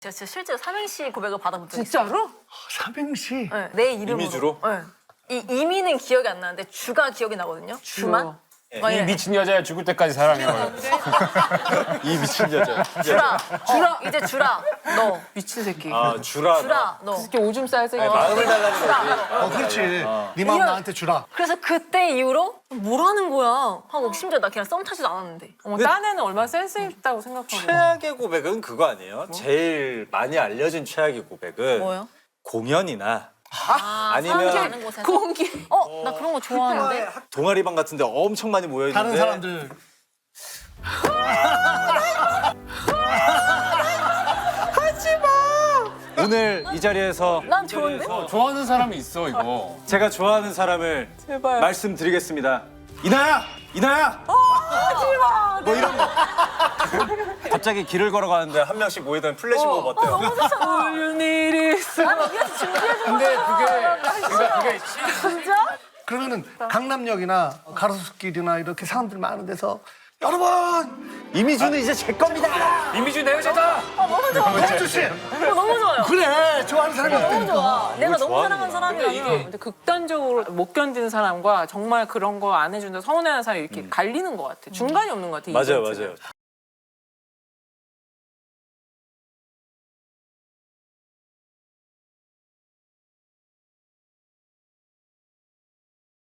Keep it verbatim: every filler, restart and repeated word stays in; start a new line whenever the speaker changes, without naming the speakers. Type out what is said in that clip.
제가 진짜 실제로 삼행시 고백을 받아본 적이 있어요.
진짜로?
삼행시.
네, 내 이름으로.
이미주로?
네. 이 이미는 기억이 안 나는데 주가 기억이 나거든요. 주만? 막
이
이래.
미친 여자야 죽을 때까지 사랑해.
이 미친 여자.
주라. 주라. 어, 이제 주라. 너.
미친 새끼.
아 주라.
주라. 너.
이렇게 오줌 싸서
아니, 마음을 달라는 거지.
어, 그렇지. 네 마음
이런-
나한테 주라.
그래서 그때 이후로 뭐라는 거야 하고 심지어 나 걔랑 썸 타지도 않았는데.
어머, 딴 애는 얼마나 센스 있다고 생각하고.
최악의 고백은 그거 아니에요? 제일 많이 알려진 최악의 고백은
뭐요?
공연이나
아,
아니면
사람들 많은 곳에서.
공기.
어, 나 그런 거 좋아하는데.
동아리방 같은데 엄청 많이 모여 있는데
다른 사람들.
오늘 이 자리에서
난 좋은데?
어, 좋아하는 사람이 있어 이거.
제가 좋아하는 사람을
제발.
말씀드리겠습니다. 이나야! 이나야!
하지마.
뭐 이런 거. 갑자기 길을 걸어가는데 한 명씩 모이던 플래시몹 어, 때요
너무 좋잖아.
All you need is.
아니, 우리한테 준비해준
근데
거잖아.
그게 그러니까 그게
진짜?
그러면은 강남역이나 가로수길이나 이렇게 사람들 많은 데서 여러분
이미주는 이제 제 겁니다.
이미주 내 여자다.
어, 너무 좋아.
홍주 씨
어, 너무 좋아요.
그래 좋아하는 사람이
너무
있다니까.
좋아. 내가 너무
좋아하는구나.
사랑하는 사람이라면.
근데 극단적으로 못 견디는 사람과 정말 그런 거 안 해준다 서운해하는 사람이 이렇게 갈리는 것 같아. 중간이 없는 것 같아. 이
맞아요,
이벤트는.
맞아요.